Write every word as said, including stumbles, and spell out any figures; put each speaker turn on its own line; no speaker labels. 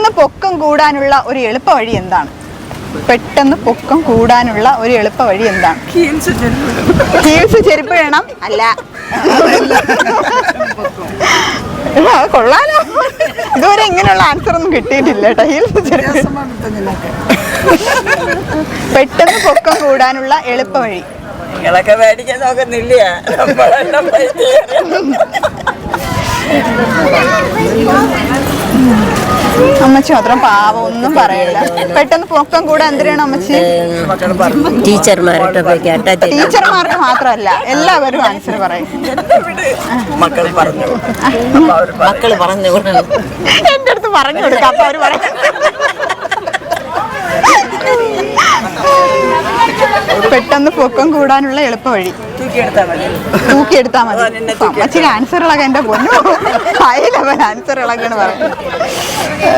പെട്ടെന്ന് പൊക്കം കൂടാനുള്ള ഒരു എളുപ്പ വഴി എന്താണ്? പെട്ടെന്ന് പൊക്കം കൂടാനുള്ള ഒരു എളുപ്പ വഴി എന്താണ്? ഹീൽസ് ചെരുപ്പ് വേണം. അല്ല, കൊള്ളാലോ. ഇതുവരെ ഇങ്ങനെയുള്ള ആൻസർ ഒന്നും കിട്ടിയിട്ടില്ല കേട്ടോ. ഹീൽസ് ചെരുപ്പ്. പെട്ടെന്ന് പൊക്കം കൂടാനുള്ള എളുപ്പ വഴി.
നിങ്ങളൊക്കെ മേടിക്കാൻ നോക്കുന്നില്ല.
അമ്മച്ചി മാത്രം പാവം, ഒന്നും പറയില്ല. പെട്ടെന്ന് പൊക്കം കൂടാൻ എന്തിനാണ് അമ്മച്ചി?
ടീച്ചർമാരുടെ
ടീച്ചർമാർക്ക് മാത്രമല്ല, എല്ലാവരും ആൻസർ പറയും.
മക്കൾ പറഞ്ഞു മക്കള് പറഞ്ഞു
എന്റെ അടുത്ത് പറഞ്ഞു കൊടുക്കാം, അപ്പൊ അവര് പറയും. പെട്ടെന്ന് പൊക്കം കൂടാനുള്ള എളുപ്പ വഴി തൂക്കിയെടുത്താൽ മതി. അമ്മച്ചിക്ക് ആൻസറുകളൊക്കെ എന്റെ പൊന്നു ഹൈ ലെവൽ ആൻസറുകളൊക്കെയാണ് പറയുന്നത്.